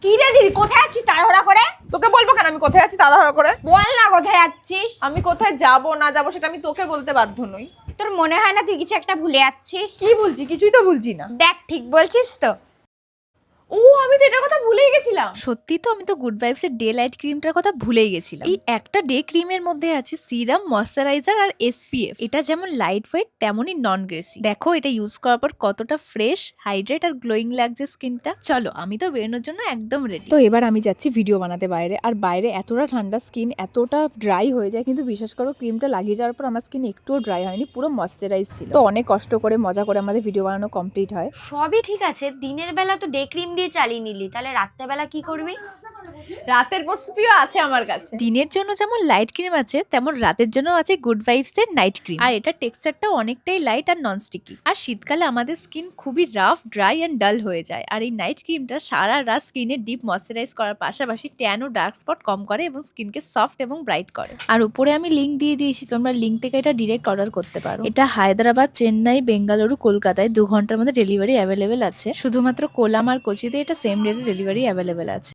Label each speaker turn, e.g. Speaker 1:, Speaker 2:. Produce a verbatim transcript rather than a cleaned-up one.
Speaker 1: কি রে দিদি, কোথায় যাচ্ছিস তাড়াহুড়া করে?
Speaker 2: তোকে বলবো কেন আমি কোথায় আছি তাড়াহুড়ো করে?
Speaker 1: বল না কোথায় যাচ্ছিস।
Speaker 2: আমি কোথায় যাব না যাব সেটা আমি তোকে বলতে বাধ্য নই।
Speaker 1: তোর মনে হয় না তুই কিছু একটা ভুলে যাচ্ছিস?
Speaker 2: কি বলছি? কিছুই তো ভুলছি না।
Speaker 1: দেখ, ঠিক বলছিস তো?
Speaker 2: ও, আমি তো এটার কথা ভুলেই গেছিলাম।
Speaker 3: সত্যি তো, আমি তো গুড ভাইবস এর ডে লাইট ক্রিমটার কথা ভুলেই গেছিলাম। এই একটা ডে ক্রিমের মধ্যে আছে সিরাম, ময়শ্চারাইজার আর এসপিএফ। এটা যেমন লাইট ওয়েট তেমনই নন গ্রেসি। দেখো এটা ইউজ করার পর কতটা ফ্রেশ, হাইড্রেট আর গ্লোয়িং লাগছে স্কিনটা। চলো, আমি তো বেরোনোর জন্য একদম রেডি। তো এবার আমি যাচ্ছি ভিডিও বানাতে বাইরে। আর বাইরে এতটা ঠান্ডা, স্কিন এতটা ড্রাই হয়ে যায়, কিন্তু বিশ্বাস করো ক্রিমটা লাগিয়ে যাওয়ার পর আমার স্কিন একটুও ড্রাই হয়নি, পুরো ময়শ্চারাইজ ছিল। তো অনেক কষ্ট করে মজা করে আমাদের ভিডিও বানানো কমপ্লিট হয়।
Speaker 1: সবই ঠিক আছে, দিনের বেলা তো ডে ক্রিম দিয়ে চালিয়ে নিলি, তাহলে রাত্রেবেলা কি করবি?
Speaker 2: রাতের প্রস্তুতিও আছে আমার কাছে।
Speaker 3: দিনের জন্য যেমন লাইট ক্রিম আছে, তেমন রাতের জন্য আছে গুড ভাইবস এর নাইট ক্রিম। আর এটা টেক্সচারটা অনেকটাই লাইট আর নন স্টিকি। আর শীতকালে আমাদের স্কিন খুবই রাফ, ড্রাই এন্ড ডাল হয়ে যায়। আর এই নাইট ক্রিমটা সারা রাত স্কিনে ডিপ ময়শ্চারাইজ করার পাশাপাশি ট্যান ও ডার্ক স্পট কম করে এবং স্কিনকে সফট এবং ব্রাইট করে। আর উপরে আমি লিংক দিয়ে দিয়েছি, তোমরা লিংক থেকে এটা ডিরেক্ট অর্ডার করতে পারো। এটা হায়দ্রাবাদ, চেন্নাই, বেঙ্গালুরু, কলকাতায় দু ঘন্টার মধ্যে ডেলিভারি অ্যাভেলেবেল আছে। শুধুমাত্র কোলাম আর কোচিতে এটা সেম ডেতে ডেলিভারি অ্যাভেলেবেল আছে।